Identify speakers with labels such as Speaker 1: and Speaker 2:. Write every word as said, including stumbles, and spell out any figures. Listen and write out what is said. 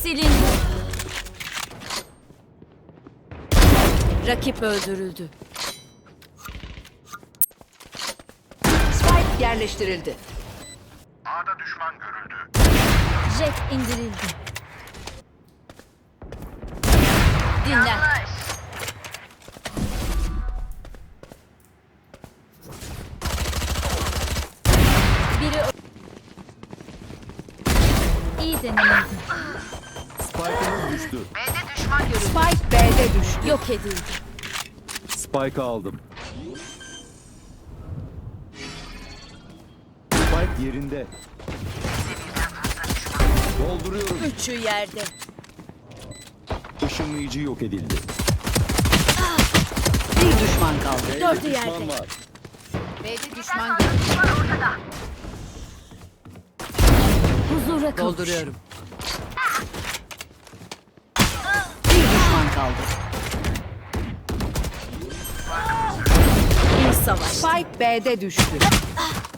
Speaker 1: Silindi. Rakip öldürüldü.
Speaker 2: Spike yerleştirildi.
Speaker 3: A'da düşman görüldü.
Speaker 1: Jet indirildi. Dinlen. Biri ö- İyi denemeydi.
Speaker 4: Spike'ımız düştü.
Speaker 3: B'de düşman görüldü.
Speaker 2: Spike B'de düştü.
Speaker 1: Yok edildi.
Speaker 4: Spike'ı aldım. Spike yerinde. Dolduruyorum.
Speaker 1: Üçü yerde.
Speaker 4: Işınlayıcı yok edildi.
Speaker 2: Bir düşman kaldı.
Speaker 4: B'de
Speaker 1: Dördü
Speaker 4: düşman
Speaker 1: yerde.
Speaker 4: var.
Speaker 2: B'de düşman görüldü.
Speaker 1: Huzura kavuş.
Speaker 2: Dolduruyorum. Bir düşman kaldı.
Speaker 1: İyi savaş.
Speaker 2: Spike B'de düştü.